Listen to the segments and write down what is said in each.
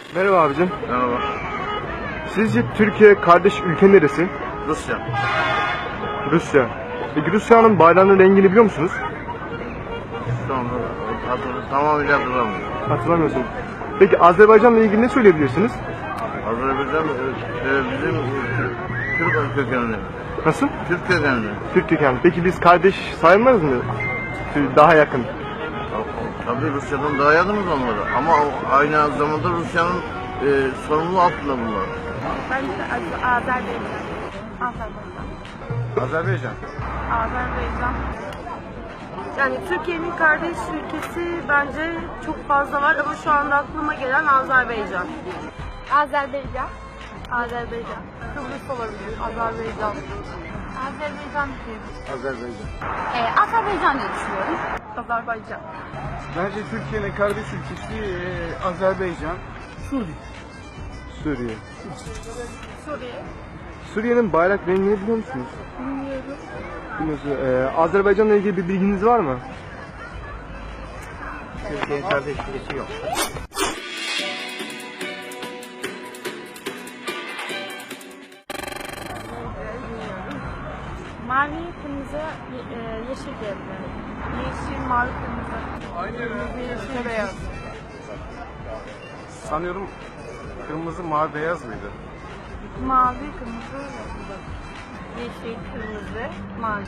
Merhaba abicim. Merhaba. Sizce Türkiye kardeş ülke neresi? Rusya. Rusya. Peki Rusya'nın bayrağının rengini biliyor musunuz? Şu anda tamamıyla hatırlamıyorum. Hatırlamıyorsun. Peki Azerbaycan'la ilgili ne söyleyebilirsiniz? Azerbaycan bizim Türk kökenli. Nasıl? Türk kökenli. Türk kökenli. Peki biz kardeş sayılmaz mı? Daha yakın. Tabii Rusya'dan daha yakınız onlara. Ama aynı zamanda Rusya'nın sorumluluğu altında bunlar. Bence Azerbaycan. Azerbaycan. Azerbaycan. Yani Türkiye'nin kardeş ülkesi bence çok fazla var ama şu anda aklıma gelen Azerbaycan. Azerbaycan. Azerbaycan. Kıbrıs olabilir. Azerbaycan. Azerbaycan diyorum. Azerbaycan. Azerbaycan diye düşünüyorum. Azerbaycan. Bence Türkiye'nin kardeş ülkesi Azerbaycan. Suriye. Suriye. Suriye'nin bayrak rengini biliyor musunuz? Bilmiyorum. Bilmiyorsunuz. Azerbaycan'la ilgili bir bilginiz var mı? Türkiye'nin kardeş ülkesi yok. Mavi, kırmızı, yeşil diyebilirim. Yeşil, mavi, kırmızı. Yeşil, beyaz. Sanıyorum kırmızı, mavi, beyaz mıydı? Mavi, kırmızı, yeşil, kırmızı, mavi.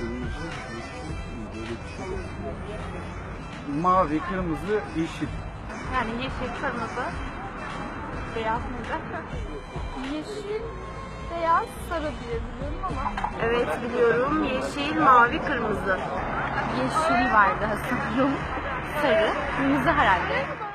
Mavi, kırmızı, yeşil. Yani yeşil, kırmızı, beyaz mıydı? Yeşil, beyaz, sarı diye biliyorum ama Evet biliyorum. Yeşil, mavi, kırmızı. yeşil vardı sanırım. Sarı, kırmızı herhalde.